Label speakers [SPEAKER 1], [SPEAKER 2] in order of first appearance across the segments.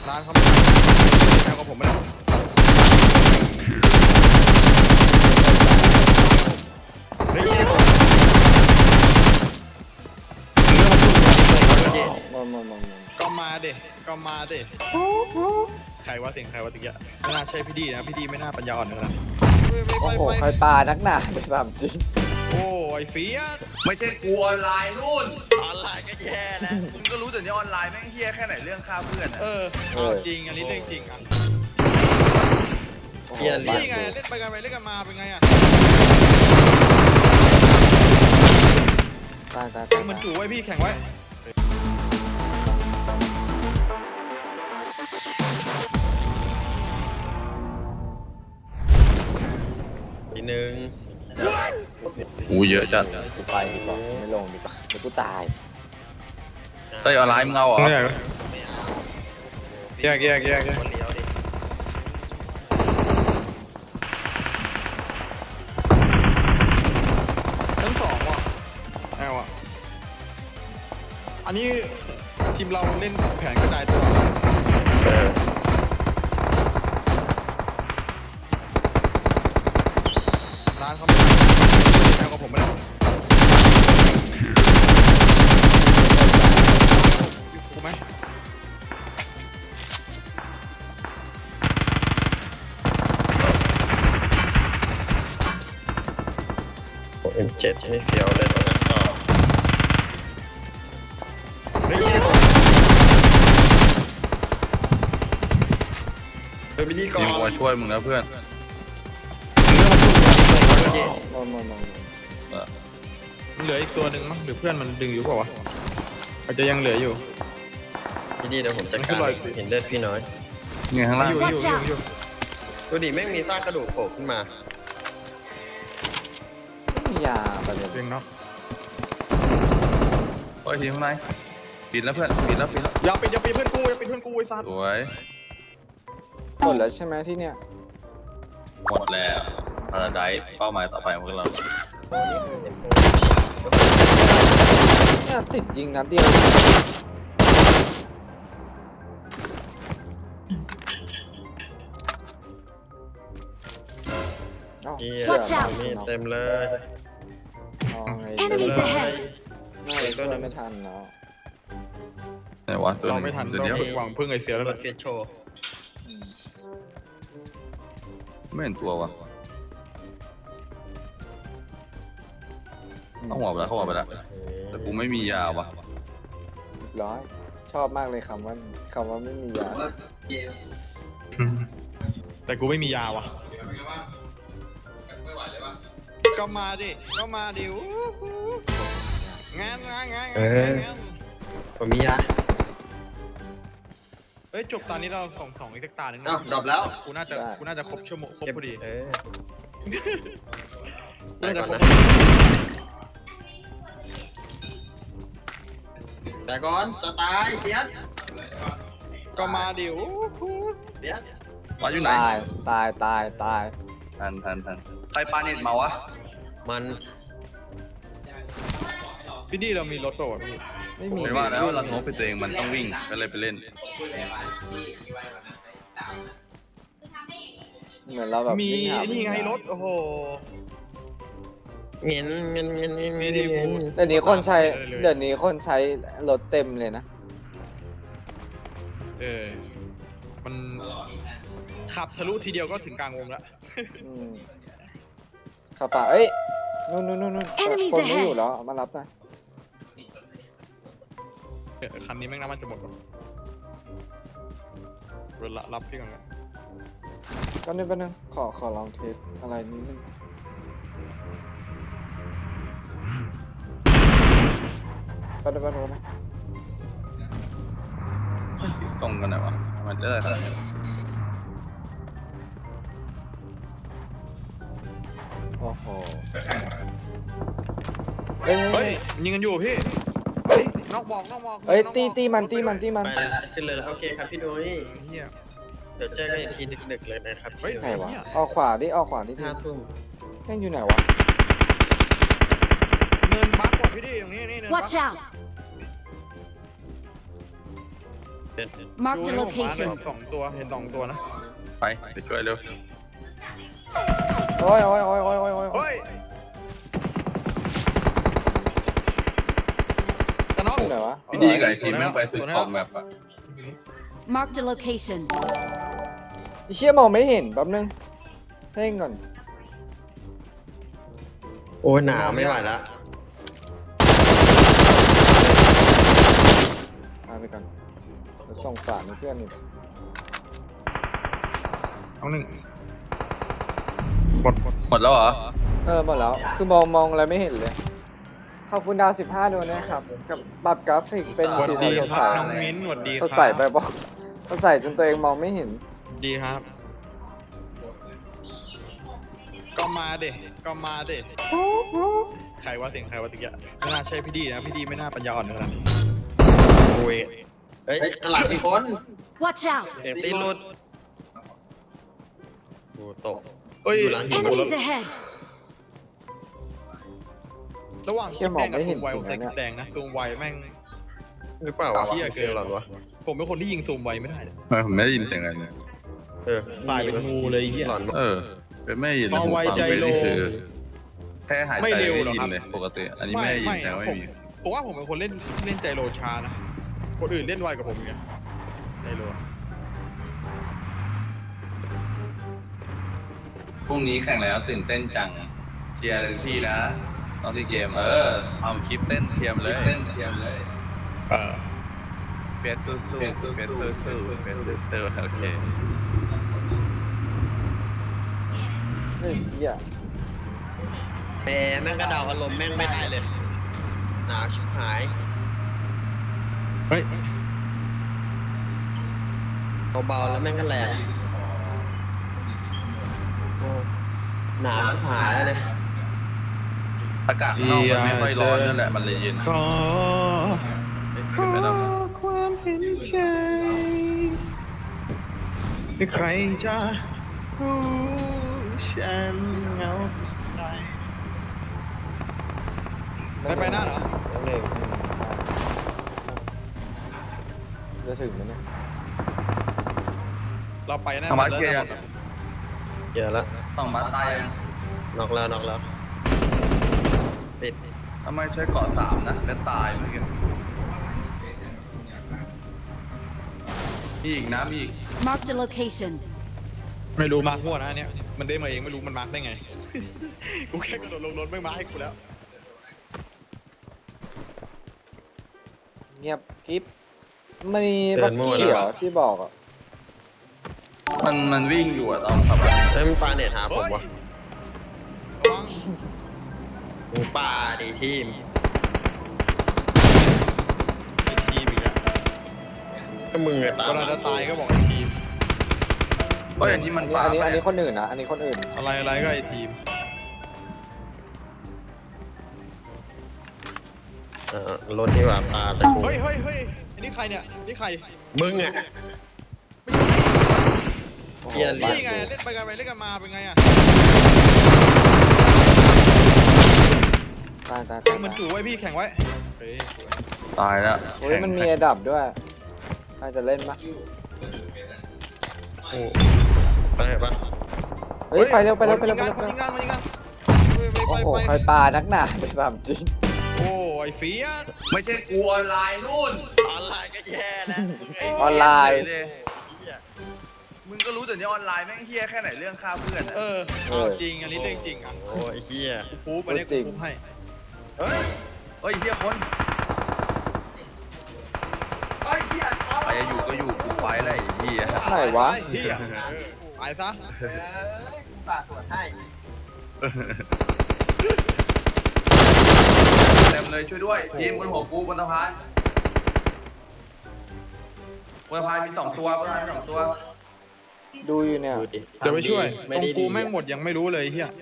[SPEAKER 1] ร้านเขาไม่แนวกับผมไม่ได้ก็มาดิใครวะเสียงใครวะตะกี้ไม่น่าใช่พี่ดีนะพี่ดีไม่น่าปัญญาอ่อนนะ
[SPEAKER 2] โอ้โหใครปานักหนาไปแบบจริง
[SPEAKER 1] โอ้ไอ้เฟียส
[SPEAKER 3] ไม่ใช่กูออนไลน์นู่น
[SPEAKER 1] ออนไลน์ก็แย่แล้ว
[SPEAKER 3] มึงก็รู้แต่เนี่ยออนไลน์แม่งเฮี้ยแค่ไหนเรื่องฆ่าเพื่อน
[SPEAKER 1] จริงอันนี้เรื่องจริงอ่ะ
[SPEAKER 2] เฮียเรียน
[SPEAKER 1] นี่ไงเล่นไปกันไปเล่นกันมาเป็นไงอ่ะ
[SPEAKER 2] ตาย
[SPEAKER 1] มันจู่ไว้พี่แข่งไว้ทีหนึ่ง
[SPEAKER 3] เยอะจัด
[SPEAKER 2] กูไปดีกว่าไม่ลงดีกว่าเดี๋ยวกูตาย
[SPEAKER 3] เต้ยออนไลน์มึงเอาเหรอ
[SPEAKER 1] แยกทั้งสองว่ะอันนี้ทีมเราเล่นแผนกระจายตัวร้านเขาไม่แนวกับผมไม่ได้ถูกไหม
[SPEAKER 4] M7 นี่เฟี้ยวเลยตรงนั้นก็ไปดีก่อน
[SPEAKER 3] มาช่วยมึงแล้วเพื่อน
[SPEAKER 1] เหลืออีกตัวหนึ่งมั้งหรือเพื่อนมันดึงอยู่เปล่าวะอาจจะยังเหลืออยู่
[SPEAKER 4] พี่ดีเดี๋ยวผมจัดการเห็นเลือดพี่น้อย
[SPEAKER 3] เงี้ยข้างล่าง
[SPEAKER 1] อยู่
[SPEAKER 4] ดูดิแม่งมีซากกระดูกโผล่ขึ้นมา
[SPEAKER 2] ไม่มียาไปเลย
[SPEAKER 1] เนาะ
[SPEAKER 3] โอ้ยทีข้างในปิดแล้วเพื่อนปิดแล้ว
[SPEAKER 1] อย่าปิดเพื่อนกูไอ้สัตว์
[SPEAKER 3] สวย
[SPEAKER 2] หมดแล้วใช่ไหมที่เนี่ย
[SPEAKER 3] หมดแล้วพาราไดซ์เป้าหมายต่อไปของเรา
[SPEAKER 2] เนี่ยติดยิงนัดเดียว
[SPEAKER 4] นี่เต็มเลย
[SPEAKER 2] Enemies ahead น่าจะช่วยไม่ทันเนาะ
[SPEAKER 3] ไหนวะตัว
[SPEAKER 1] เราไม่ทันเราหวังพึ่งไอเสียแล้ว
[SPEAKER 4] รถเฟียสโชว์
[SPEAKER 3] ไม่เห็นตัววะเข้าหัวไปแล้วแต่กูไม่มียาวะ
[SPEAKER 2] ร้อยชอบมากเลยคำว่าไม่มียา
[SPEAKER 1] แต่กูไม่มียาวะก็มาดิงาน
[SPEAKER 4] ผมมียา
[SPEAKER 1] จบตอนนี้เรา2อีกสักตาหนึ่ง
[SPEAKER 4] ดรอปแล้ว
[SPEAKER 1] กูน่าจะครบชั่วโมงครบพอดี
[SPEAKER 4] น่าจะครบแต่ก่อนจะตายเฟียส
[SPEAKER 1] ก็มาดิ
[SPEAKER 4] เฟียส
[SPEAKER 3] มาอยู่ไหน
[SPEAKER 2] ตาย
[SPEAKER 3] ทันใครปาเน็ตมาวะ
[SPEAKER 4] มัน
[SPEAKER 1] พี่ดีเรามีรถโดดพี่
[SPEAKER 2] ไม่มี
[SPEAKER 3] ไม่ว่าแล้วเราโน้ตไปตัวเองมันต้องวิ่งก็เลยไปเล่น
[SPEAKER 2] เหมือนเราแบบ
[SPEAKER 1] มีนี่ไงรถโอ้โห
[SPEAKER 4] เงี้ยเ
[SPEAKER 2] ดี๋ยวนี้คนใช้รถเต็มเลยนะ
[SPEAKER 1] มันขับทะลุทีเดียวก็ถึงกลางวงแล้ว
[SPEAKER 2] ขับป่านู่นคนไม่อยู่แล้วมารับได้
[SPEAKER 1] คันนี้แม่งน้ำมันจะหมดรถรับพี่ก่อน
[SPEAKER 2] ก็นึงขอลองเทสอะไรนิดนึงไปนะ
[SPEAKER 3] ตรงกันไหนวะมันได้ขนาดนี้
[SPEAKER 2] โอ้โห
[SPEAKER 1] เฮ้ยยิงกันอยู่พี่นอกบอก
[SPEAKER 2] ตีมัน
[SPEAKER 4] ไปละขึ้นเลยโอเคครับพี่นุ้ยเดี๋ยวเจอกันอีกทีดึกๆเลยนะครับ
[SPEAKER 2] ไหนวะออกขวาดิ
[SPEAKER 4] 5 ทุ่ม
[SPEAKER 2] แม่งอยู่ไหนวะ
[SPEAKER 1] เนินบักกว่าพี่ดิอย่างนี้เนินบัก
[SPEAKER 2] เ
[SPEAKER 5] Marked
[SPEAKER 1] ดู
[SPEAKER 5] a
[SPEAKER 1] ให้ผมมาหน่อย
[SPEAKER 5] location.
[SPEAKER 1] สองตัวเห็นสองตัวนะ
[SPEAKER 3] ไปไปช่วยเร็ว
[SPEAKER 2] โอ้ยโอ้ยโอ้ยโอ้ยโอ้ยโอ้ย
[SPEAKER 1] เฮ้ยจะน็อก
[SPEAKER 2] อยู่ไหนวะ
[SPEAKER 3] พี่ดีกับไอทีมแม่งไปซื้อของแบบอะ
[SPEAKER 5] Marked a location.
[SPEAKER 2] ไอ้เชี่ยมองไม่เห็นแป๊บนึงเพ่งก่อน
[SPEAKER 4] โอ้ยหนาวไม่ไหวละ
[SPEAKER 2] พาไปก่อนเดี๋ยวส่งสารให้เพื่อนอีก
[SPEAKER 1] เอาหนึ่งหมด
[SPEAKER 3] หมดแล้วเหรอ
[SPEAKER 2] หมดแล้วคือมองอะไรไม่เห็นเลยขอบคุณดาว15ดวงนะครับกับปรับกราฟิกเป็น
[SPEAKER 1] หวัด
[SPEAKER 2] สี
[SPEAKER 1] ดี
[SPEAKER 2] สด
[SPEAKER 1] ค
[SPEAKER 2] ใส
[SPEAKER 1] รับน้องมิ้นหวัดดีครับ
[SPEAKER 2] สดใสไปบอกสดใสจนตัวเองมองไม่เห็น
[SPEAKER 1] ดีครับ ก็มาเด็ก็มาเด็ใครว่าเสียงใครว่าตะกี้ไม่น่าใช่พี่ดีนะพี่ดีไม่น่าปัญญาอ่อนขนาดนี้โอ้ย
[SPEAKER 4] เฮ้ยข้างหลังมีคน
[SPEAKER 5] Watch out!
[SPEAKER 4] เสียงตีนหลุดโอ้ตก
[SPEAKER 1] เอ้ย
[SPEAKER 4] อยู่หลังหิน
[SPEAKER 5] Enemies ahead!
[SPEAKER 1] ระหว่าง
[SPEAKER 2] เชี่ยมองไม่เห็น
[SPEAKER 1] ไว
[SPEAKER 2] จริงนะเนี่ย
[SPEAKER 1] แดงนะซูมไวแม่ง
[SPEAKER 4] หรือเปล่าวะ
[SPEAKER 1] เหี้ยเกิน
[SPEAKER 4] หรอวะ
[SPEAKER 1] ผมเป็นคนที่ยิงซูมไวไม่ได้เลย
[SPEAKER 3] ทำไมผมไม่ได้ยินเสียงอะไรเลย
[SPEAKER 1] สายเป็นงูเลยไอ้เหี้ย
[SPEAKER 4] หลอน
[SPEAKER 3] เป็นไม่ได้ยินเลย
[SPEAKER 1] มอง
[SPEAKER 3] ผม
[SPEAKER 1] ไว
[SPEAKER 3] ฟัง
[SPEAKER 1] ใจ
[SPEAKER 3] ไป
[SPEAKER 1] โล
[SPEAKER 3] นี่คือแค่หายใจ
[SPEAKER 1] ไม่เร็วหรอ
[SPEAKER 3] ได้ยิ
[SPEAKER 1] ครับ
[SPEAKER 3] นเลยปกติ อันนี้ไม่ได้ยินแต่
[SPEAKER 1] นะ
[SPEAKER 3] ไม่
[SPEAKER 1] ผม
[SPEAKER 3] มี
[SPEAKER 1] ผมว่าผมเป็นคนเล่นใจโลช้านะคนอื่นเล่นไวกว่าผมเนี่ยใจโล
[SPEAKER 3] พรุ่งนี้แข่งแล้วตื่นเต้นจังเชียร์เลยพี่นะตอนที่เกมเอาคลิปเต้นเชียร์มาเลย เฟสตู้สู้เฟสตู้สู้เฟสตู้สู้โอเค
[SPEAKER 2] เฮ้ยเหี้ย
[SPEAKER 4] แม่งกระเดาอารมณ์แม่งไม่ได้เลย หนาวชิบหาย
[SPEAKER 1] เฮ้ย
[SPEAKER 4] เบาๆแล้วแม่งก็แรงโอ้หนาวชิบหายแล้วเนี่ย
[SPEAKER 3] อากาศข้างนอกมันไม่ค่อยร้อนนั่นแหละมันเลยเย็น
[SPEAKER 1] ขอ
[SPEAKER 3] ไม่ต้อง
[SPEAKER 1] ความเห็นใจใครจะรู้ฉันเหงาไปหน้าเหรอ
[SPEAKER 2] เร็วจะถึงไหมเนี่ย
[SPEAKER 1] เราไปหน้า
[SPEAKER 3] ธรรมะเกียร์
[SPEAKER 4] เยอะแล้ว
[SPEAKER 3] ต้องมาตายยัง
[SPEAKER 4] นอกแล้วปิด
[SPEAKER 3] ทำไมใช้เกาะ3นะแล้วตายเมื่อกี้มีอีกนะมีอีก
[SPEAKER 5] Marked a location.
[SPEAKER 1] ไม่รู้มาร์คมั่วนะอันเนี่ยมันได้มาเองไม่รู้มันมาร์คได้ไง กูแค่กระโดดลงรถไม่มาร์คให้กูแล้ว
[SPEAKER 2] เงียบกิ๊บมีบักกี้เหรอที่บอกอ่ะ
[SPEAKER 3] มันวิ่งอยู่อะตอนขับรถ
[SPEAKER 4] เฮ้ยมันปาเน็ตหาผมวะ
[SPEAKER 1] ระวัง
[SPEAKER 4] หมูป่าดีทีม
[SPEAKER 1] ไอ้ทีมอีกแล้ว
[SPEAKER 4] ก็มึงอะตาม
[SPEAKER 1] เวลาจะตายก็บอกไอ้ทีม
[SPEAKER 3] เพราะอย่างที่มันป่า
[SPEAKER 2] อันนี้
[SPEAKER 3] ไป
[SPEAKER 2] อันนี้คนอื่นนะอันนี้คนอื่น
[SPEAKER 1] อะไรก็ไอ้ทีม
[SPEAKER 4] รถที่ว่าปาแต่กู
[SPEAKER 1] เฮ้ยอันนี้ใครเนี่ยนี่ใคร
[SPEAKER 4] มึงอะ
[SPEAKER 2] โอ้โห
[SPEAKER 4] เหี้ย
[SPEAKER 1] นี่ไงเล่นไปกันไปเล่นกันมาเป็นไงอ่ะ
[SPEAKER 2] ตาย
[SPEAKER 1] แข่งเหมือนจู่ไว้พี่แข่งไว้เฮ้ย
[SPEAKER 3] ตายแล้ว
[SPEAKER 2] โอ้ยมันมีระดับด้วยใครจะเล่นปะ
[SPEAKER 1] โอ้
[SPEAKER 4] ไปปะ
[SPEAKER 2] เฮ้ยไปเร็วไป
[SPEAKER 1] ยิงกัน
[SPEAKER 2] ไป
[SPEAKER 1] ยิงกัน
[SPEAKER 2] โอ้โหใครปานักหนาไปแบบจริง
[SPEAKER 1] โอ้ไอ้เฟียส
[SPEAKER 3] ไม่ใช่กูออนไลน์นู่น
[SPEAKER 4] ออนไลน์ก็แย่แล้วมึงไอ้
[SPEAKER 2] ออนไลน์
[SPEAKER 3] มึงก็รู้แต่เนี่ยออนไลน์แม่งเฮี้ยแค่ไหนเรื่องฆ่าเพื่อนอะ
[SPEAKER 1] เอาจริงอันนี้เรื่องจริงอ่ะ
[SPEAKER 4] โอ้ยเฮีย
[SPEAKER 1] กูพูดมาเนี่ยกูพูดให้
[SPEAKER 3] เฮ้ยเฮี้ยคนใครจะอยู่ก็อยู่กูไปแล้วไอ้เฮี้ย
[SPEAKER 2] ไหนวะ
[SPEAKER 1] เฮียไปซะ
[SPEAKER 4] ฝากตรวจให้
[SPEAKER 3] เต็มเลยช่วยด้วยทีมบนหัวกูบนสะพานบนสะพานมี2 ตัวบนสะพานมี2 ตัว
[SPEAKER 2] ดูอยู่เนี่ย
[SPEAKER 4] ดูดิ
[SPEAKER 1] เดี๋ยวไปช่วย
[SPEAKER 4] ไม่
[SPEAKER 1] ตรง
[SPEAKER 4] ได้
[SPEAKER 1] กู
[SPEAKER 4] ดี
[SPEAKER 1] แม่งหมดยังไม่รู้เลยเฮีย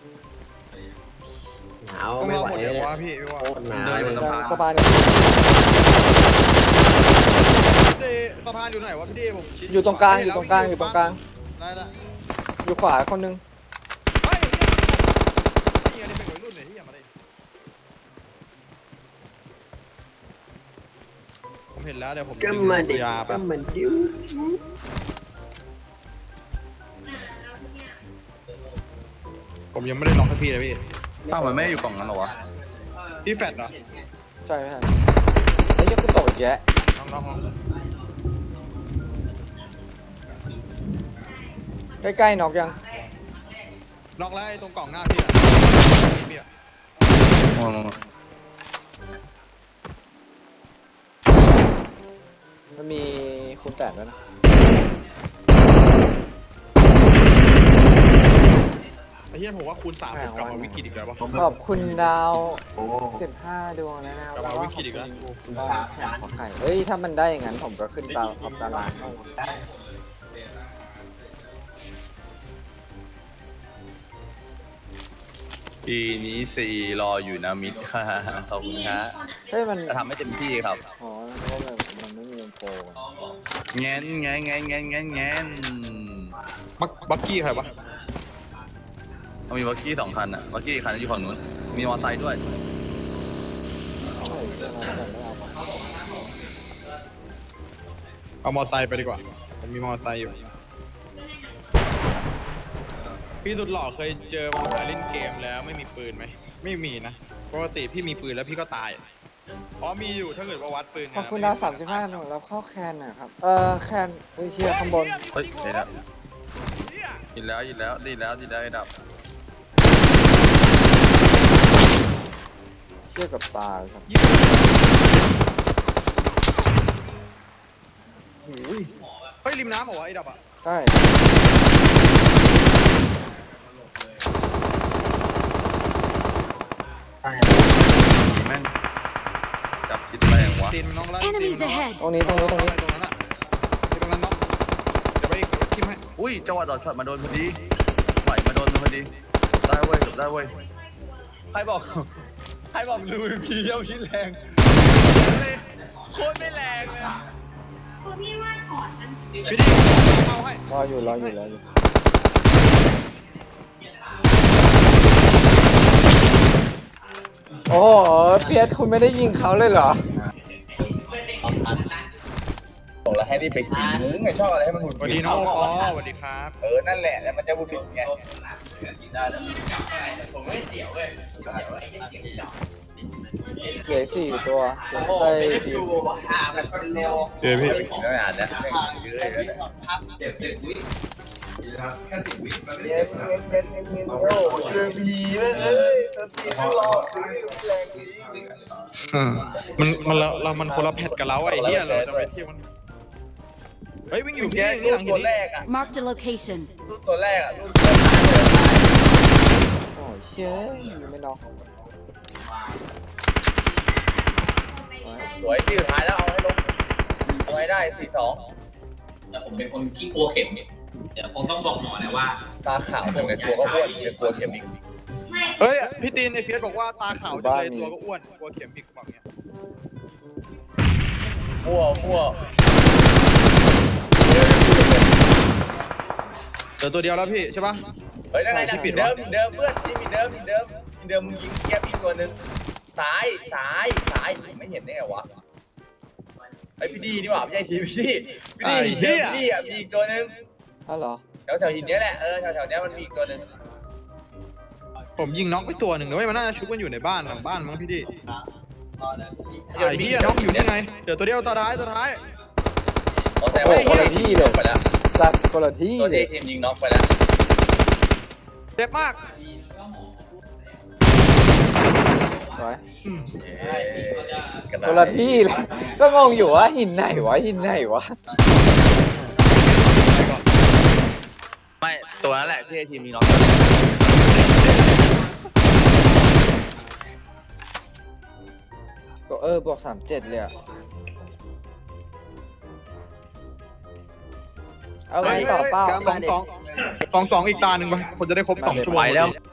[SPEAKER 4] หนาว
[SPEAKER 1] ต้อง
[SPEAKER 4] ไม่
[SPEAKER 1] เรา
[SPEAKER 4] ไหว
[SPEAKER 1] หมด
[SPEAKER 4] เล
[SPEAKER 1] เดี๋ย
[SPEAKER 4] ยว
[SPEAKER 1] วะพี่ว่า
[SPEAKER 4] โคตรหนาว
[SPEAKER 3] เดินอยู่
[SPEAKER 4] เลย
[SPEAKER 3] บนสะพาน
[SPEAKER 2] สะพาน
[SPEAKER 1] สะพานอยู่ไหนวะพี่ดีผมชี้
[SPEAKER 2] อยู่ตรงกลางอยู่ตรงกลางอยู่ตรงกลาง
[SPEAKER 1] ได้ละ
[SPEAKER 2] อยู่ขวาคนนึง
[SPEAKER 1] เฮ้ยเฮียนี่เป็นวัยรุ่นเนี่ยเฮียมาเลยผมเห็นแล้วเดี๋ยวผม
[SPEAKER 4] ก็มาดิ
[SPEAKER 1] ยา
[SPEAKER 4] ก็
[SPEAKER 1] แป๊บ
[SPEAKER 4] มาดิว
[SPEAKER 1] ผมยังไม่ได้ล็อกสักทีเลยพี่
[SPEAKER 3] อ้าวมันไม่ได้อยู่กล่องนั้นเหรอวะ
[SPEAKER 1] พี่แฟดเหรอ
[SPEAKER 2] ใช่ไหมครับไอ้ยกูตกอีกแยะ
[SPEAKER 1] น้อง
[SPEAKER 2] ใกล้ๆน็อกยัง
[SPEAKER 1] ล็อกแล้วไอ้ตรงกล่องหน้าพี่อะพี่อะ
[SPEAKER 2] มันมีคูณ8ด้วยนะ
[SPEAKER 1] ไอ้เหี้ยผมว่าคูณ3ผมกลับมาวิกฤตอีกแล้ววะ
[SPEAKER 2] ขอบคุณดาว15ดวงแล้วนะครับ
[SPEAKER 1] กลับมาวิกฤตอีกแล้ว
[SPEAKER 2] คุณบ้านแข่งขอไข่เฮ้ยถ้ามันได้อย่างนั้นผมก็ขึ้นท็อปตาราง
[SPEAKER 3] ปีนี้4รออยู่นะมิดค่ะขอบคุณฮะ
[SPEAKER 2] เฮ้ยมัน
[SPEAKER 3] จะทำให้เต็มที่ครับ
[SPEAKER 2] อ๋อเพราะมันไม่มีโปร
[SPEAKER 3] แงนแงนแงนแงนแงนแงน
[SPEAKER 1] บักกี้ใครวะ
[SPEAKER 3] เขามีบักกี้2 คันอ่ะบักกี้อีกคันอยู่ฝั่งนู้นมีมอเตอร์ไซค์ด้วย
[SPEAKER 2] ใช่ใช่ไหมแต่ไม่เอามา
[SPEAKER 1] เอามอไซค์ไปดีกว่าผมมีมอไซค์อยู่พี่สุดหล่อเคยเจอมันมาเล่นเกมแล้วไม่มีปืนไหมไม่มีนะปกติพี่มีปืนแล้วพี่ก็ตายอ๋อมีอยู่ถ้าเกิดว่าวัดปืน
[SPEAKER 2] ขอบคุณดาว35ดวงแล้วเข้าแคนหนะครับแคนเฮ้ยเชียร์ข้างบน
[SPEAKER 3] เฮ้ยเดี๋ยวนะยินแล้วยินแล้วดีแล้วดีแล้วดับ
[SPEAKER 2] เชียร์กับตายครับ
[SPEAKER 1] โอ้ยเฮ้ยริมน้ำเหรอวะไอ้ดับอ่ะ
[SPEAKER 2] ใช่
[SPEAKER 3] แม่งจับคิดแรงวะ
[SPEAKER 1] ตีนมันน้องไล่
[SPEAKER 5] Enemies ahead
[SPEAKER 2] ตรงนี้ตรงนี้ตรงนี้
[SPEAKER 1] ตรงนั้นอ่ะตรงนั้นน้องเดี๋ยวไปทิมให้
[SPEAKER 3] อุ้ยจังหวะดอดช็อตมาโดนพอดีไหวมาโดนมันพอดีได้เว้ยจบได้เว้ยใครบอกดูพีเย่าคิดแรงโคตรไม่แรงเลย
[SPEAKER 1] พี่ดิเอาให้
[SPEAKER 2] รออยู่โอ้โหเพียรคุณไม่ได้ยิงเขาเลยเหรอ
[SPEAKER 3] บอกแล้วให้รีบไปกินมึงไงชอบอะไรให้มันหงุด
[SPEAKER 1] สวัส
[SPEAKER 3] หงิ
[SPEAKER 1] ดี
[SPEAKER 3] ด
[SPEAKER 1] น้องปอสวัสดีครับ
[SPEAKER 3] นั่นแหละแล้วมันจะหงุดหงิดไงกินได้แล้ว
[SPEAKER 2] เหลือ4ตัวไปทีม
[SPEAKER 1] เดี๋ยวพี่
[SPEAKER 3] กินแล้วอ่านนะเยอะเลยนะ
[SPEAKER 1] มันคนละแพทกับเราไอ้เหี้ยเราจะไปเที่ยวมันเฮ้ยวิ่งอยู่พี่นี่หลังหิ
[SPEAKER 3] ตัวน แร
[SPEAKER 1] นี่
[SPEAKER 3] กอ่ะ
[SPEAKER 5] Marked a location.
[SPEAKER 3] ตัวแรกอ่ะ
[SPEAKER 2] โอ้ยเชี่ยไม่น็อก
[SPEAKER 3] สวยที่สุดท้ายแล้วเอาให้ลงเอาให้ได้4-2
[SPEAKER 6] แต่ผมเป็นคนที่กลัวเข็มเนี่ยเดี๋ยวคงต้องบอกหมอนะว่า
[SPEAKER 3] ตาขาวผมในตัวก็อ้วนเป็นกลัวเข็มอีก
[SPEAKER 1] เฮ้ยพี่ตีนไอ้เฟียสบอกว่าตาขาวจังเลยตัวก็อ้วนกลัวเข็มพิกบอกเงี้ย
[SPEAKER 3] มั่ว
[SPEAKER 1] เหลือตัวเดียวแล้วพี่ใช่ปะ
[SPEAKER 3] เฮ้ยนั่นไงผิดเดิมเพื่อนที่มีเดิมมึงยิงแก๊ปอีกตัวนึงซ้ายไม่เห็นได้ไงวะไอพี่ดีนี่หว่าไม่ใช่ทีพี่ดีอ่ะมีอีกตัวนึง
[SPEAKER 2] อ้าวเหรอ
[SPEAKER 3] แถวหินนี้แหละแถวนี้มันมีอีกตัวนึง
[SPEAKER 1] ผมยิงน็อกไปตัวหนึ่งนะเว้ยมันน่าจะชุบกันอยู่ในบ้านหลังบ้านมั้งพี่ดิไอ้เหี้ยน็อกอยู่นี่ไงเดี๋ยวตัวเดียวตัวท้าย
[SPEAKER 3] แต่
[SPEAKER 2] โอ้
[SPEAKER 3] ว่า
[SPEAKER 2] คนละที่เลย
[SPEAKER 3] ไปแล้ว
[SPEAKER 2] จัดคนละที่
[SPEAKER 3] ตัว
[SPEAKER 2] เล
[SPEAKER 3] ที่
[SPEAKER 2] ย
[SPEAKER 3] ทีมยิงน็อกไปแล้ว
[SPEAKER 1] เจ็บมาก
[SPEAKER 2] สวย
[SPEAKER 1] อืม
[SPEAKER 2] คนละที่เลยก็งงอยู่ว่าหินไหนวะ
[SPEAKER 3] ไม่ตัวนั้นแหละที่ทีมยิงน็อก
[SPEAKER 2] ก็บวก37เลยอะเอาไงต่อเป้า
[SPEAKER 1] 2-2อีกตาหนึ่งไปคนจะได้ครบ2 ชั่วโมง
[SPEAKER 3] ไปแล้ว